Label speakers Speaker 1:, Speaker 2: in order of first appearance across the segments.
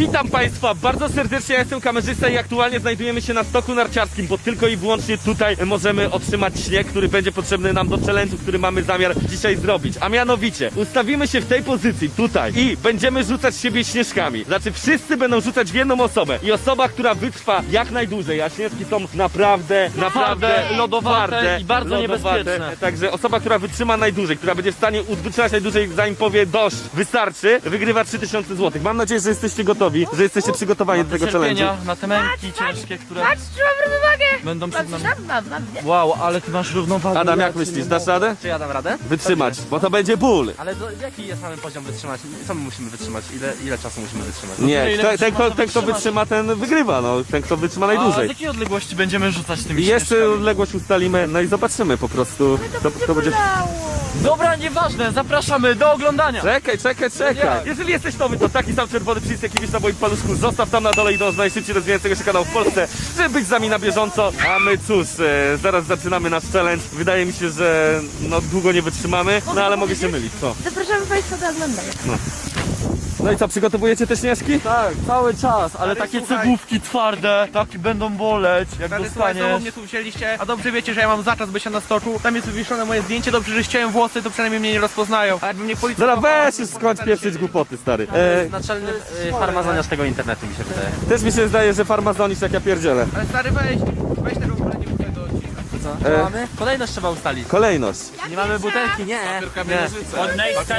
Speaker 1: Witam Państwa bardzo serdecznie, ja jestem kamerzysta i aktualnie znajdujemy się na stoku narciarskim, bo tylko i wyłącznie tutaj możemy otrzymać śnieg, który będzie potrzebny nam do challenge'u, który mamy zamiar dzisiaj zrobić. A mianowicie, ustawimy się w tej pozycji, tutaj, i będziemy rzucać siebie śnieżkami. Znaczy wszyscy będą rzucać w jedną osobę i osoba, która wytrwa jak najdłużej, a śnieżki są naprawdę
Speaker 2: lodowate i bardzo niebezpieczne.
Speaker 1: Także osoba, która wytrzyma najdłużej, która będzie w stanie wytrzymać najdłużej, zanim powie dość, wystarczy, wygrywa 3000 zł. Mam nadzieję, że jesteście gotowi, że jesteście przygotowani do tego challenge'u.
Speaker 2: Na te męki ciężkie, które
Speaker 3: Patrz, trzymam równowagę!
Speaker 2: będą przed nami.
Speaker 3: Mam.
Speaker 2: Wow, ale ty masz równowagę.
Speaker 1: Adam, jak myślisz, dasz radę?
Speaker 2: Czy ja dam radę?
Speaker 1: Wytrzymać, bo to będzie ból.
Speaker 2: Ale jaki jest mamy poziom wytrzymać? Co my musimy wytrzymać? Ile czasu musimy wytrzymać?
Speaker 1: Nie,
Speaker 2: ile
Speaker 1: ten kto wytrzyma, ten wygrywa, no. Ten kto wytrzyma
Speaker 2: A z
Speaker 1: najdłużej.
Speaker 2: jakiej odległości będziemy rzucać tymi
Speaker 1: I jeszcze
Speaker 2: śnieżkami?
Speaker 1: odległość ustalimy, no i zobaczymy po prostu. To będzie...
Speaker 2: Dobra, nieważne, zapraszamy do oglądania.
Speaker 1: Czekaj. Jeżeli jesteś nowy, to taki sam czerwony przycisk, jaki widzisz na moim paluszku, zostaw tam na dole i dąż do najszybciej rozwijającego się kanału w Polsce, żeby być z nami na bieżąco. A my cóż, zaraz zaczynamy nasz challenge. Wydaje mi się, że no długo nie wytrzymamy, no ale mogę się mylić, co?
Speaker 3: Zapraszamy Państwa do oglądania.
Speaker 1: No i co, przygotowujecie te śnieżki?
Speaker 2: Tak, cały czas, ale takie
Speaker 4: słuchaj.
Speaker 2: cegłówki twarde, takie będą boleć, jak
Speaker 4: Stary, słuchaj, znowu
Speaker 2: dostaniesz.
Speaker 4: mnie tu wzięliście, a dobrze wiecie, że ja mam zaczas bycia na stoczu. Tam jest wywieszone moje zdjęcie, dobrze, że ściąłem włosy, to przynajmniej mnie nie rozpoznają. A jakby mnie policja...
Speaker 1: Dobra, weź już skończ pieprzyć głupoty, stary.
Speaker 2: Naczelny farmazoniarz tego internetu mi się wydaje.
Speaker 1: Też mi się zdaje, że farmazonisz jak ja pierdzielę.
Speaker 4: Ale stary, weź tego w ogóle nie mów tego odcinka.
Speaker 2: Co? Co mamy? Kolejność trzeba ustalić.
Speaker 1: Kolejność.
Speaker 2: Nie mamy butelki, nie.
Speaker 3: Od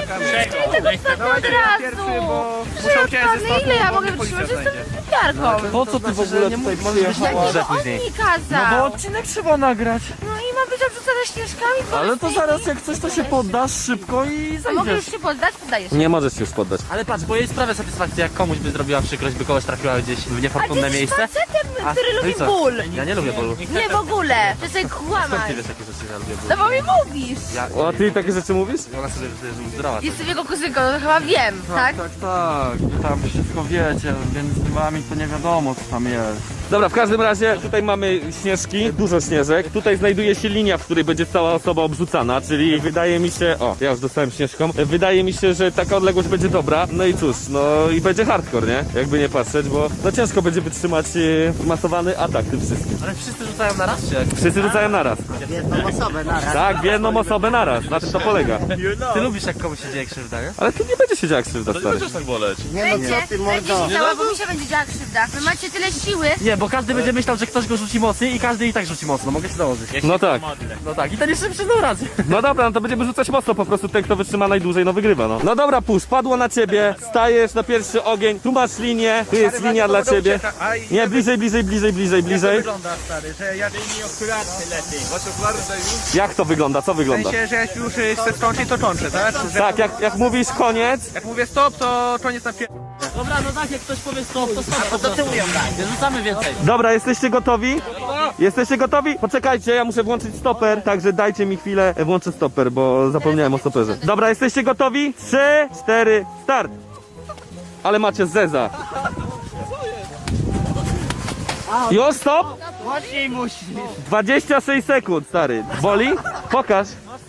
Speaker 4: Pierwszy,
Speaker 3: razu!
Speaker 4: bo muszę uciec ze stoczu,
Speaker 3: Ile ja
Speaker 4: bo
Speaker 3: mogę
Speaker 4: mnie policja
Speaker 3: wytrzymać?
Speaker 4: znajdzie.
Speaker 3: Jestem piarką.
Speaker 2: Po co ty w ogóle tutaj przyjechałaś?
Speaker 3: Jakiego on mi kazał?
Speaker 2: No bo odcinek trzeba nagrać.
Speaker 3: No i mam być obrzucana śnieżkami? po
Speaker 2: Ale to
Speaker 3: prostu.
Speaker 2: zaraz jak coś to się poddasz szybko i
Speaker 3: A mogę już
Speaker 2: zejdziesz.
Speaker 3: się poddać? Poddaję się.
Speaker 1: Nie możesz się już poddać.
Speaker 2: Ale patrz, bo jej sprawia satysfakcję, jak komuś by zrobiła przykrość, by kogoś trafiła gdzieś w
Speaker 3: A ty
Speaker 2: niefortunne
Speaker 3: jesteś
Speaker 2: miejsce.
Speaker 3: facetem,
Speaker 2: A,
Speaker 3: który
Speaker 2: no i
Speaker 3: lubi
Speaker 2: co?
Speaker 3: ból.
Speaker 2: Ja nie lubię bólu.
Speaker 3: Nie w ogóle. Przestań
Speaker 2: Skąd
Speaker 3: kłamać.
Speaker 2: ty wiesz, jakie rzeczy ja lubię
Speaker 3: No
Speaker 2: bólu?
Speaker 3: bo mi mówisz.
Speaker 2: Ja,
Speaker 1: O, ty takie rzeczy mówisz?
Speaker 2: ona sobie że zdrowa.
Speaker 3: Jestem jego kuzynką, no to chyba wiem, tak?
Speaker 2: Tak, wy tam wszystko wiecie, więc z wami to nie wiadomo co tam jest.
Speaker 1: Dobra, w każdym razie tutaj mamy śnieżki, dużo śnieżek. Tutaj znajduje się linia, w której będzie cała osoba obrzucana, czyli wydaje mi się... O, ja już dostałem śnieżką. Wydaje mi się, że taka odległość będzie dobra. No i cóż, no i będzie hardcore, nie? Jakby nie patrzeć, bo no ciężko będzie wytrzymać masowany atak tym wszystkim.
Speaker 2: Ale wszyscy rzucają na raz, czy jak?
Speaker 1: Wszyscy rzucają naraz.
Speaker 5: Jedną osobę naraz.
Speaker 1: Tak, w jedną osobę naraz. Na tym to polega.
Speaker 2: Ty lubisz jak komuś się dzieje krzywda, nie?
Speaker 1: Ale tu nie będzie się działa krzywda, stary.
Speaker 5: Nie no co ty mordo.
Speaker 3: Będzie bo mi się będzie działa krzywda. Wy macie tyle siły.
Speaker 2: Nie, bo każdy będzie myślał, że ktoś go rzuci mocniej i każdy i tak rzuci mocno, mogę ci dołożyć.
Speaker 1: No tak.
Speaker 2: No tak, i ten jeszcze przyznał rację.
Speaker 1: No dobra, no to będziemy rzucać mocno, po prostu ten, kto wytrzyma najdłużej, no wygrywa, no. No dobra, pusz, padło na ciebie, stajesz na pierwszy ogień, tu masz linię, tu jest linia dla ciebie. Nie, bliżej.
Speaker 4: Wygląda, stary, że jak...
Speaker 1: Jak to wygląda, co
Speaker 4: W
Speaker 1: wygląda?
Speaker 4: sensie, że jak już chcę skończyć, to kończę, tak? Że
Speaker 1: Tak, jak mówisz koniec,
Speaker 4: jak mówię stop, to koniec na pierwszy.
Speaker 2: Dobra, no tak, jak ktoś powie stop, to stop po prostu. Nie rzucamy więcej.
Speaker 1: dobra, jesteście gotowi? Jesteście gotowi? Poczekajcie, ja muszę włączyć stoper, także dajcie mi chwilę, włączę stoper, bo zapomniałem o stoperze. Dobra, jesteście gotowi? 3, 4, start! Ale macie zeza. Już, stop! 26 sekund, stary. Boli? Pokaż.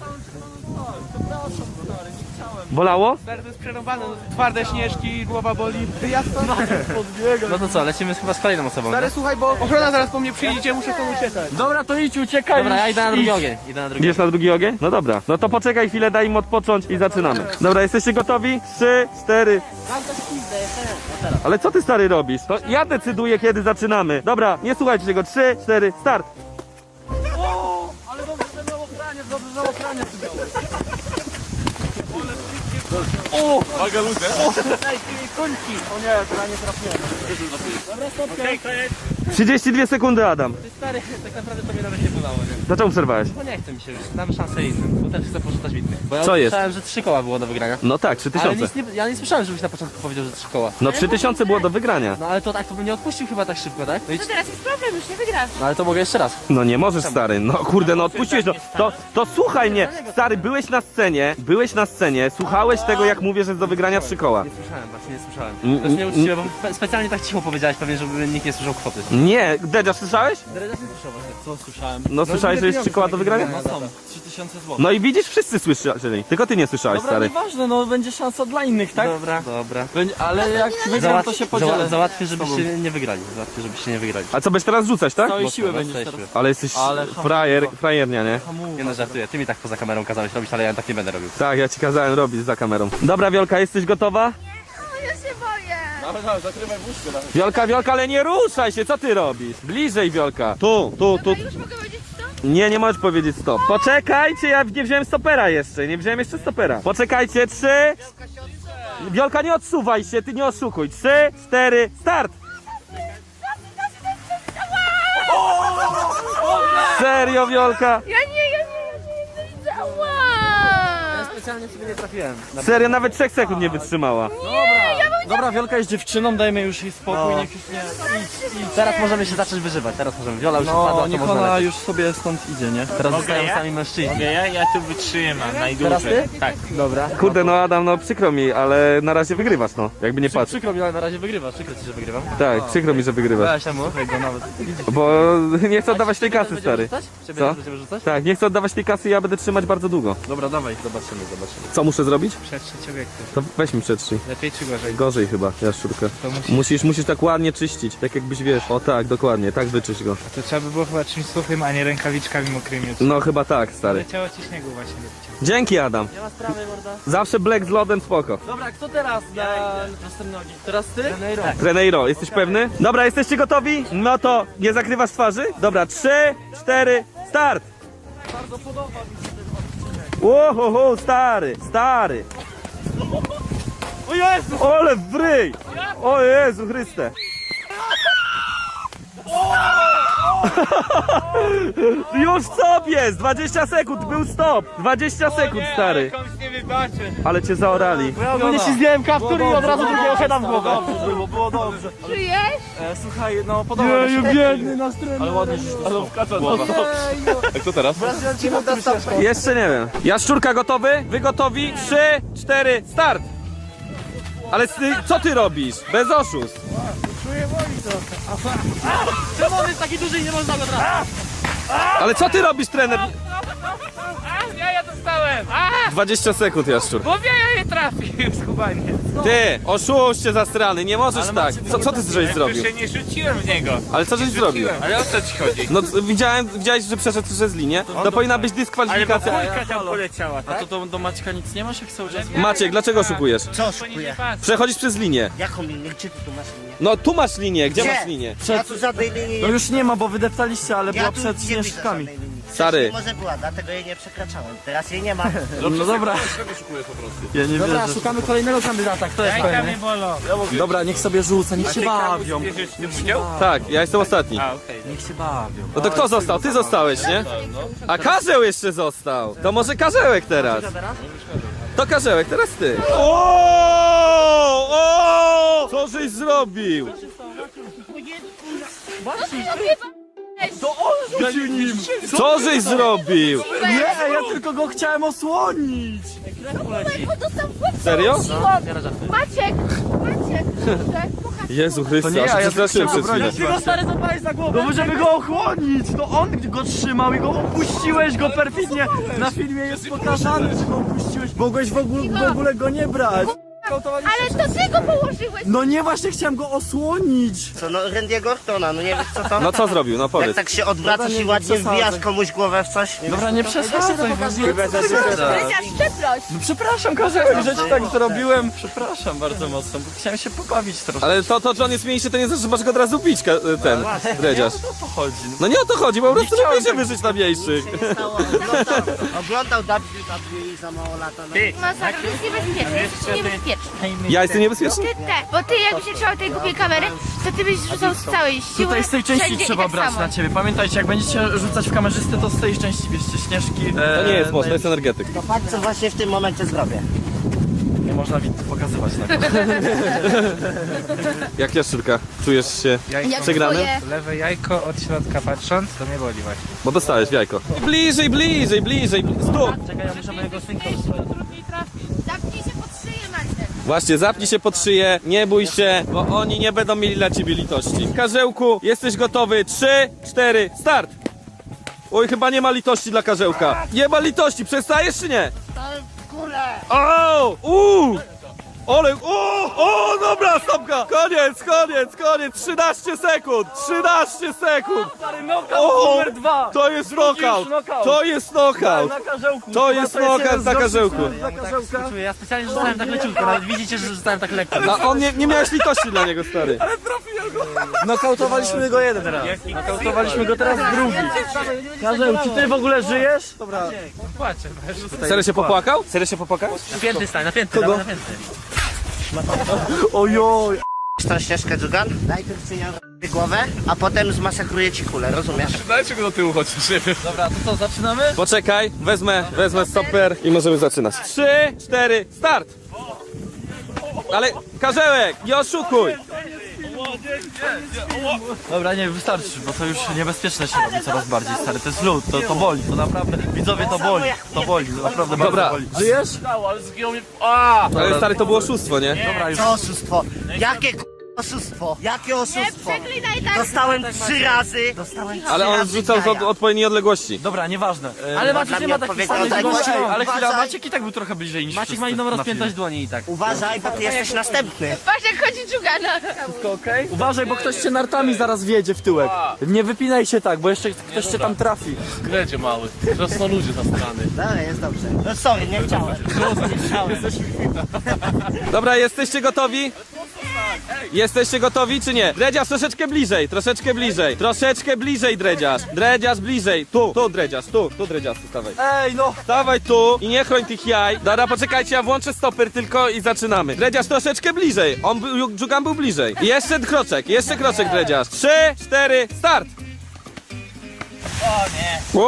Speaker 1: Bolało?
Speaker 4: Stary, to jest przerąbane, no, twarde śnieżki, głowa boli. Ty jasno?
Speaker 2: No to co, lecimy chyba z kolejną osobą.
Speaker 4: Stary,
Speaker 2: Nie?
Speaker 4: słuchaj, bo ochrona zaraz po mnie przyjdzie, muszę stąd uciekać.
Speaker 2: Dobra, to idź, uciekaj. Dobra, ja idę na drugi ogień.
Speaker 1: Idziesz na drugi ogień? No dobra. No to poczekaj chwilę, daj im odpocząć i zaczynamy. Dobra, jesteście gotowi? 3, 4. Ale co ty, stary, robisz? To ja decyduję, kiedy zaczynamy. Dobra, nie słuchajcie tego. 3, 4, start.
Speaker 2: Ale dobrze, że miał ochraniec, dobrze, że ochraniec miałeś. O! Uwaga, ludzie! Ej, końki! O nie, to ja nie trafiłem. Dobra, stopkę.
Speaker 1: 32 sekundy, Adam.
Speaker 2: Ty stary, tak naprawdę to mnie nawet nie bolało, nie?
Speaker 1: Dlaczego przerwałeś?
Speaker 2: Bo nie chce mi się już, damy szansę innym, bo też chcę porzucać w innych. Bo ja
Speaker 1: Co jest?
Speaker 2: słyszałem, że 3 koła było do wygrania.
Speaker 1: No tak,
Speaker 2: Ale
Speaker 1: 3000.
Speaker 2: nic nie, ja nie słyszałem, żebyś na początku powiedział, że 3 koła.
Speaker 1: No 3000 było do wygrania.
Speaker 2: No ale to tak, to bym nie odpuścił chyba tak szybko, tak? No, i,
Speaker 3: To teraz jest problem, już nie wygrasz.
Speaker 2: no ale to mogę jeszcze raz.
Speaker 1: No nie możesz, stary. No kurde, no odpuściłeś. No, to słuchaj mnie. Stary, byłeś na scenie, słuchałeś tego, jak mówię, że jest do wygrania 3 koła.
Speaker 2: Nie słyszałem, właśnie nie słyszałem.
Speaker 1: Mm,
Speaker 2: To jest nieuczciwe, bo specjalnie tak cicho powiedziałeś pewnie, żeby nikt nie słyszał kwoty.
Speaker 1: Nie, Dedzia, słyszałeś?
Speaker 2: Co słyszałem?
Speaker 1: No słyszałeś, że jest 3 koła do wygrania?
Speaker 2: No są, 3000 zł.
Speaker 1: No i widzisz, wszyscy słyszeli, tylko ty nie słyszałeś,
Speaker 2: Dobra,
Speaker 1: stary.
Speaker 2: nieważne, no będzie szansa dla innych, tak?
Speaker 5: Dobra.
Speaker 2: Ale jak wygram, to się podzielę.
Speaker 5: Załatwię, żebyście nie wygrali.
Speaker 1: A co, będziesz teraz rzucać, tak?
Speaker 2: Całej siły będziesz teraz.
Speaker 1: Ale jesteś
Speaker 2: Ale
Speaker 1: frajernia, nie?
Speaker 5: Nie no, żartuję. Ty mi tak poza kamerą kazałeś robić, ale ja tak nie będę robił.
Speaker 1: Tak, ja ci kazałem robić za kamerą. Dobra, Wiolka, jesteś gotowa?
Speaker 3: O, ja się boję.
Speaker 2: Dawaj, zakrywaj wózkę.
Speaker 1: Wiolka, ale nie ruszaj się, co ty robisz? Bliżej, Wiolka. Tu.
Speaker 3: Dobra, już mogę powiedzieć co?
Speaker 1: Nie możesz powiedzieć stop. Poczekajcie, ja nie wziąłem stopera jeszcze, nie wziąłem jeszcze stopera. Poczekajcie, 3. Wiolka, nie odsuwaj się, ty nie oszukuj. 3, 4, start! Serio, Wiolka?
Speaker 3: Ja nie widzę. Ała!
Speaker 5: Specjalnie sobie nie trafiłem.
Speaker 1: Serio, nawet 3 sekund nie wytrzymała.
Speaker 2: Dobra, Wiolka jest dziewczyną, dajmy już jej spokój, niech już nie...
Speaker 5: Teraz możemy się zacząć wyżywać. Teraz możemy. Wiola już wpadła,
Speaker 2: No,
Speaker 5: to
Speaker 2: niech
Speaker 5: można
Speaker 2: ona
Speaker 5: lecieć.
Speaker 2: już sobie stąd idzie, nie?
Speaker 5: Teraz zostają sami mężczyźni.
Speaker 6: Ja tu wytrzymam najdłużej.
Speaker 5: Teraz ty?
Speaker 6: Tak.
Speaker 5: Dobra.
Speaker 1: Kurde, no Adam, no przykro mi, ale na razie wygrywasz, no. Jakby nie patrz.
Speaker 2: Przykro mi, ale na razie wygrywasz. Przykro ci, że wygrywam.
Speaker 1: Tak, przykro mi, że wygrywasz.
Speaker 2: Weź mu. Go nawet.
Speaker 1: Bo nie chcę oddawać tej kasy, stary.
Speaker 2: Ciebie
Speaker 1: Co?
Speaker 2: będziemy rzucać?
Speaker 1: Tak, nie chcę oddawać tej kasy, ja będę trzymać bardzo długo.
Speaker 2: Dobra, dawaj, zobaczymy.
Speaker 1: Co muszę zrobić?
Speaker 6: Przetrzyć obiekty.
Speaker 1: To weź mi przetrzyj.
Speaker 6: Lepiej czy gorzej?
Speaker 1: Gorzej chyba, jaszczurkę.
Speaker 6: To musisz...
Speaker 1: Musisz tak ładnie czyścić, tak jakbyś wiesz. O tak, dokładnie, tak wyczyść go.
Speaker 6: To trzeba by było chyba czymś suchym, a nie rękawiczkami mokrymi.
Speaker 1: No chyba tak, stary.
Speaker 6: Leciało ci śniegu właśnie do picia.
Speaker 1: Dzięki, Adam.
Speaker 5: Nie ma sprawy, morda.
Speaker 1: Zawsze black z lodem, spoko.
Speaker 2: Dobra, kto teraz na następny ogień? Teraz ty?
Speaker 1: Treneiro, jesteś pewny? Dobra, jesteście gotowi? No to nie zakrywasz twarzy? Dobra, 3, 4, start!
Speaker 2: Bardzo podoba mi się ten odcinek.
Speaker 1: Łohoho, stary!
Speaker 2: O Jezu!
Speaker 1: Ole wryj! O Jezu Chryste! Już stop jest! 20 sekund, był stop! 20 sekund, stary!
Speaker 6: Komuś nie wybaczę.
Speaker 1: Ale cię zaorali.
Speaker 2: Ja ogólnie ślizgnąłem kaptur i od razu drugiego heada w głowę. Było dobrze.
Speaker 3: Czujesz?
Speaker 2: Słuchaj, no podoba mi się. Biedny nasz trener. Ale ładnie się
Speaker 1: Jeszcze nie wiem. Jaszczurka gotowy? Wy gotowi? 3, 4, start! Ale co ty robisz? Bez oszustw.
Speaker 2: Czemu on jest taki duży i nie można go trafić?
Speaker 1: Ale co ty robisz, trener?
Speaker 6: Ja dostałem!
Speaker 1: 20 sekund, Jaszczur.
Speaker 6: Bo ja nie trafił, skubaniec.
Speaker 1: Ty, oszuście zastrany, nie możesz tak. Co ty żeś zrobił?
Speaker 6: Już się nie rzuciłem w niego.
Speaker 1: Ale co żeś zrobił?
Speaker 6: Ale o co ci chodzi?
Speaker 1: No widziałeś, że przeszedł przez linię? To powinna być
Speaker 6: Ale bo
Speaker 1: dyskwalifikacja.
Speaker 6: kulka tam poleciała,
Speaker 2: A
Speaker 6: tak?
Speaker 2: to do Maćka nic nie masz, jak cały czas...
Speaker 1: Maciek, dlaczego oszukujesz?
Speaker 5: Co
Speaker 6: Bo nie
Speaker 5: oszukuję?
Speaker 6: patrz.
Speaker 1: Przechodzisz przez linię.
Speaker 5: Jaką linię? Gdzie ty tu masz linię?
Speaker 1: No tu masz linię, gdzie
Speaker 5: Gdzie?
Speaker 1: masz linię?
Speaker 5: Ja tu żadnej linii
Speaker 2: No
Speaker 5: nie...
Speaker 2: już nie ma, bo wydeptaliście, ale
Speaker 5: Ja
Speaker 2: była
Speaker 5: tu
Speaker 2: przed
Speaker 5: nie widzę
Speaker 2: śnieżkami.
Speaker 5: żadnej linii.
Speaker 1: Stary.
Speaker 5: Wcześniej może była, dlatego jej nie przekraczałem. Teraz jej nie ma.
Speaker 2: No dobra. Ja nie
Speaker 5: Dobra,
Speaker 2: wierzę.
Speaker 5: szukamy kolejnego kandydata. Kto jest
Speaker 6: Ręka
Speaker 5: pewny?
Speaker 6: mnie bolą.
Speaker 2: Dobra, niech sobie rzuca, niech się bawią.
Speaker 6: Bierzesz w tym udział?
Speaker 1: Tak, ja jestem ostatni.
Speaker 6: A, okej.
Speaker 2: Niech się bawią.
Speaker 1: No to kto został? Ty zostałeś, nie? A Karzeł jeszcze został. To może Karzełek teraz. To Karzełek, teraz ty. O! Co żeś zrobił? Co żeś zrobił?
Speaker 2: Nie, ja tylko go chciałem osłonić.
Speaker 3: Bo dostał w
Speaker 1: Serio?
Speaker 3: Maciek! Proszę, pokaż.
Speaker 1: Jezu Chryste,
Speaker 2: To nie
Speaker 1: aż
Speaker 2: ja,
Speaker 1: się
Speaker 2: ja
Speaker 1: przestraszyłem
Speaker 2: tylko
Speaker 1: przez chwilę.
Speaker 2: Ty go stary zapalić za głowę. No żeby go ochronić, to on go trzymał i go opuściłeś go perfidnie. Na filmie jest pokazane, że go opuściłeś. Mogłeś w ogóle go nie brać.
Speaker 3: Ale to ty go położyłeś!
Speaker 2: No nie, właśnie chciałem go osłonić.
Speaker 5: Co, no Randy'ego Ortona, no nie wiesz co to?
Speaker 1: No co zrobił? No
Speaker 5: Jak
Speaker 1: powiedz.
Speaker 5: tak się odwracasz
Speaker 2: Dobra,
Speaker 5: i
Speaker 2: nie
Speaker 5: ładnie
Speaker 2: przesadzaj.
Speaker 5: wbijasz komuś głowę w coś? Nie
Speaker 2: Dobra, nie przesadzaj.
Speaker 3: Krystian, przeproś!
Speaker 2: No przepraszam, Karzełek, że ci tak zrobiłem. Przepraszam bardzo mocno, bo chciałem się pobawić troszkę.
Speaker 1: Ale to, że on jest mniejszy, to nie znaczy, że masz go od razu bić, ten dredziarz.
Speaker 2: O to chodzi.
Speaker 1: No nie o to chodzi, po prostu
Speaker 2: chciałem
Speaker 1: lubię się
Speaker 2: tak-
Speaker 1: wyżyć na mniejszych.
Speaker 5: stało? Oglądał WWE za mało lata. No.
Speaker 6: Ty,
Speaker 3: Masakra, to jest niebezpieczne, jesteś niebezpieczny.
Speaker 1: Ja jestem niebezpieczny?
Speaker 3: Ty te, bo ty jakbyś nie trzymał tej głupiej kamery, to ty byś rzucał z całej siły.
Speaker 2: Tutaj z tej części
Speaker 3: wszędzie i
Speaker 2: trzeba
Speaker 3: tak
Speaker 2: brać
Speaker 3: samo.
Speaker 2: na ciebie. Pamiętajcie, jak będziecie rzucać w kamerzystę, to z tej części bierzcie śnieżki.
Speaker 1: To nie jest moc, to jest energetyk.
Speaker 5: To patrz co właśnie w tym momencie zrobię.
Speaker 2: Nie można pokazywać na
Speaker 1: Jak Jaszczurka? Czujesz się
Speaker 3: Jak
Speaker 1: przegrany?
Speaker 3: twoje...
Speaker 6: lewe jajko od środka patrząc, to mnie boli właśnie.
Speaker 1: Bo dostałeś w jajko. Bliżej, bliżej, bliżej. Stóp!
Speaker 2: Czekaj, ja muszę mojego synka.
Speaker 3: Zamknij się pod szyję, Maciek.
Speaker 1: Właśnie, zapnij się pod szyję, nie bój się, bo oni nie będą mieli dla ciebie litości. Karzełku, jesteś gotowy? 3, 4, start! Oj, chyba nie ma litości dla Karzełka. Nie ma litości, przestajesz czy nie? O! Ole, o, dobra, stopka! Koniec! 13 sekund! 13 sekund!
Speaker 2: Numer 2!
Speaker 1: To jest knockout!
Speaker 2: knockout.
Speaker 1: To jest knockout!
Speaker 2: Na Karzełku!
Speaker 1: To jest knockout na Karzełku!
Speaker 2: Dla Karzełka!
Speaker 4: Ja specjalnie rzucałem tak leciutko, nawet widzicie, że rzucałem tak lekko.
Speaker 1: A on nie miałeś litości dla niego, stary.
Speaker 2: Nokautowaliśmy go jeden raz. Nokautowaliśmy go teraz drugi. Karzeł, czy ty w ogóle żyjesz? Dobra.
Speaker 4: Płaczę.
Speaker 1: Serio się popłakał? Serio się popłakał?
Speaker 4: Napięty stań, napięty, dawaj, napięty.
Speaker 2: Ojoj.
Speaker 5: Tą ścieżkę, Dżugan. Najpierw cię głowę, a potem zmasakruję ci kulę, rozumiesz?
Speaker 6: Dajcie go do tyłu chociaż, nie wiem.
Speaker 2: Dobra, to co, zaczynamy?
Speaker 1: Poczekaj, wezmę stoper i możemy zaczynać. 3, 4, start! Ale Karzełek, nie oszukuj!
Speaker 2: Dobra, nie, wystarczy, bo to już niebezpieczne się robi coraz bardziej, stary. To jest lód, to boli, to naprawdę, widzowie, to boli, naprawdę
Speaker 1: Dobra.
Speaker 2: bardzo boli. Żyjesz?
Speaker 6: Ale zginął mnie...
Speaker 1: Ale stary, to było oszustwo, nie?
Speaker 2: Dobra, już.
Speaker 5: Co oszustwo? Jakie oszustwo? Jakie
Speaker 3: Nie
Speaker 5: oszustwo?
Speaker 3: przeklinaj tak.
Speaker 5: Dostałem 3 razy. Dostałem 3
Speaker 1: Ale on
Speaker 5: razy
Speaker 1: rzucał z
Speaker 5: jaja.
Speaker 1: odpowiedniej odległości.
Speaker 2: Dobra, nieważne.
Speaker 4: Ale
Speaker 5: dla
Speaker 4: Maciek nie
Speaker 5: mnie
Speaker 4: ma takich
Speaker 5: odpowiedział
Speaker 4: samych
Speaker 5: tak,
Speaker 4: dłoni.
Speaker 5: Maciek.
Speaker 2: Ale chwila,
Speaker 5: Uważaj.
Speaker 2: Maciek i tak był trochę bliżej niż
Speaker 4: Maciek ma inną
Speaker 2: na
Speaker 4: rozpiętość
Speaker 2: filmie.
Speaker 4: dłoni i tak.
Speaker 5: Uważaj, bo ty jesteś następny.
Speaker 3: Patrz jak chodzi dżugana.
Speaker 2: Wszystko okej? Uważaj, bo ktoś cię nartami zaraz wjedzie w tyłek. Nie wypinaj się tak, bo jeszcze ktoś cię tam trafi.
Speaker 6: Gredzie mały. Teraz ludzie zastrany.
Speaker 5: Dobra, jest dobrze. No sorry, nie chciałem. Nie chciałem.
Speaker 1: Dobra, jesteście gotowi? Jesteście gotowi czy nie? Dredziarz troszeczkę bliżej, troszeczkę bliżej Dredziarz. Dredziarz bliżej, tu Dredziarz, tu Dredziarz, stawaj.
Speaker 2: Ej, no!
Speaker 1: Stawaj tu i nie chroń tych jaj. Dobra, poczekajcie, ja włączę stoper tylko i zaczynamy. Dredziarz troszeczkę bliżej, Dżugan był bliżej. I jeszcze kroczek Dredziarz. 3, 4, start! O nie!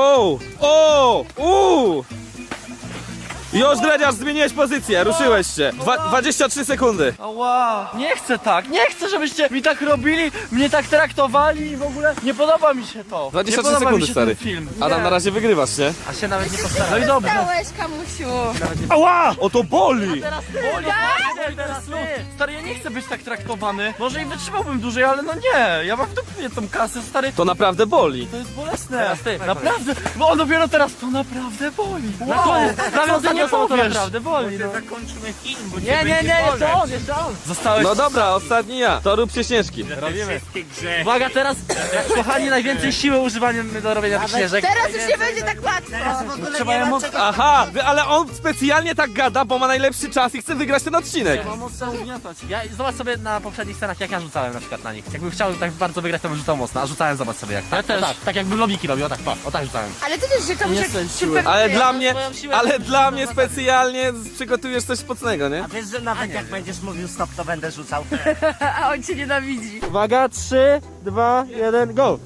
Speaker 1: Wow! Już Dredziarz zmieniłeś pozycję, ruszyłeś się. 23 sekundy.
Speaker 2: Ała! Nie chcę tak, nie chcę, żebyście mi tak robili, mnie tak traktowali i w ogóle nie podoba mi się to.
Speaker 1: 23
Speaker 2: nie podoba
Speaker 1: sekundy,
Speaker 2: mi się
Speaker 1: stary.
Speaker 2: ten film.
Speaker 1: Adam, na razie wygrywasz, nie?
Speaker 4: A się nawet nie postawił.
Speaker 2: No i dobrze.
Speaker 3: Dałeś, kamusiu.
Speaker 1: Ała! O to boli!
Speaker 2: Teraz stary, ja nie chcę być tak traktowany. Może i wytrzymałbym dłużej, ale no nie. Ja mam w dupie tą kasę, stary.
Speaker 1: To naprawdę boli.
Speaker 2: To jest bolesne.
Speaker 4: Teraz ty.
Speaker 2: Naprawdę, bo on dopiero teraz to naprawdę boli.
Speaker 4: Na koniec,
Speaker 2: Co ty nie
Speaker 4: to
Speaker 2: powiesz?
Speaker 4: naprawdę boli. No.
Speaker 6: Zakończymy film, bo
Speaker 4: Nie, jeszcze on.
Speaker 2: Zostałeś...
Speaker 1: No dobra, ostatni ja. To rób się Śnieżki.
Speaker 2: robimy.
Speaker 6: wszystkie grze.
Speaker 4: Uwaga, teraz, kochani, najwięcej siły używamy do robienia tych śnieżek.
Speaker 3: Teraz już nie będzie tak łatwo.
Speaker 5: W ogóle
Speaker 2: Trzeba
Speaker 5: nie
Speaker 2: je
Speaker 5: ma
Speaker 2: móc-
Speaker 5: czego...
Speaker 1: Aha, ale on specjalnie tak gada, bo ma najlepszy czas i chce wygrać ten odcinek.
Speaker 2: Mocno ugniatać.
Speaker 4: Zobacz sobie na poprzednich scenach, jak ja rzucałem na przykład na nich. Jakbym chciał tak bardzo wygrać, to bym rzucał mocno, a rzucałem, zobacz sobie jak. Ja też. Tak jakbym lobiki robił, o tak rzucałem.
Speaker 3: Ale ty też, że kamuś jak
Speaker 2: chcę
Speaker 3: super...
Speaker 1: Ale dla mnie specjalnie przygotujesz coś mocnego, nie?
Speaker 5: A wiesz, że nawet jak będziesz mówił stop, to będę rzucał.
Speaker 3: A on cię nienawidzi.
Speaker 2: Uwaga, 3, 2, 1, go!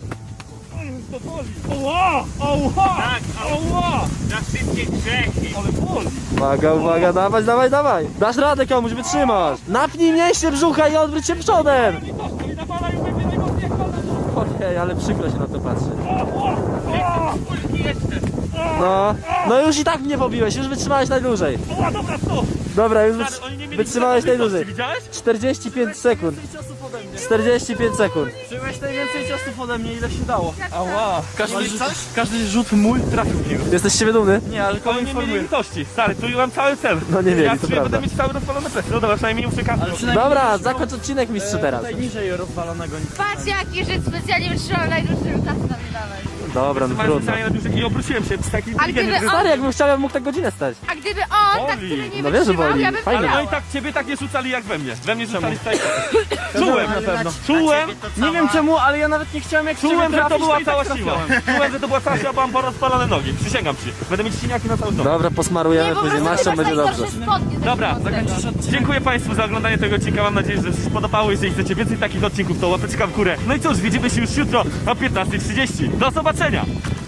Speaker 6: Na wszystkie grzechy.
Speaker 2: Uwaga, dawaj! Dasz radę komuś, wytrzymasz! Napnij mięśnie brzucha i odwróć się przodem! Okej, ale przykro się na to patrzy. No już i tak mnie pobiłeś, już wytrzymałeś najdłużej. Dobra, już wytrzymałeś najdłużej. 45 sekund. 45 sekund. Przyjąłeś najwięcej ciosów ode mnie, ile się dało. Ała. Każdy rzut mój trafił w niego. Jesteś z siebie dumny? Nie, ale kogo informuję.
Speaker 1: litości, stary, tu mam cały cel.
Speaker 2: No nie mieli, to prawda.
Speaker 1: będę mieć cały rozpalony pres. No dobra, przynajmniej nie muszę kasy.
Speaker 2: Dobra, zakończ odcinek mistrzu teraz. Najniżej rozwalonego.
Speaker 3: Patrz jaki Żyd specjalnie wytrzymał najdłuższy kasy na mnie dawać.
Speaker 2: Dobra, no trudno.
Speaker 1: I obróciłem się z takim
Speaker 3: A gdyby on,
Speaker 2: Stary, jakbym chciał, ja bym mógł tak godzinę stać.
Speaker 3: a gdyby on tak
Speaker 1: Boli.
Speaker 3: tyle nie
Speaker 2: No wiem, że
Speaker 3: wytrzymał,
Speaker 2: boli.
Speaker 3: ja bym
Speaker 2: Fajnie.
Speaker 3: wygrała.
Speaker 1: No i tak ciebie tak nie rzucali jak we mnie. We mnie rzucali tak. Czułem na pewno. Czułem,
Speaker 2: Nie wiem czemu, ale ja nawet nie chciałem jak
Speaker 1: czułem, że to była
Speaker 2: i
Speaker 1: cała
Speaker 2: tak
Speaker 1: siła.
Speaker 2: trafiałem.
Speaker 1: Czułem, że to była cała siła, bo mam porozpalone nogi. Przysięgam ci. Będę mieć siniaki na cały dom.
Speaker 2: Dobra,
Speaker 3: Nie,
Speaker 2: posmarujemy
Speaker 3: po
Speaker 2: później
Speaker 3: prostu
Speaker 2: maścią,
Speaker 3: masz
Speaker 2: będzie dobrze.
Speaker 3: najgorsze spodnie.
Speaker 1: Dobra,
Speaker 3: zakończysz.
Speaker 1: dziękuję Państwu za oglądanie tego odcinka. Mam nadzieję, że się podobało. Jeżeli chcecie więcej takich odcinków, to łapeczka w górę. No i cóż, widzimy się już jutro o 15:30. Do zobaczenia!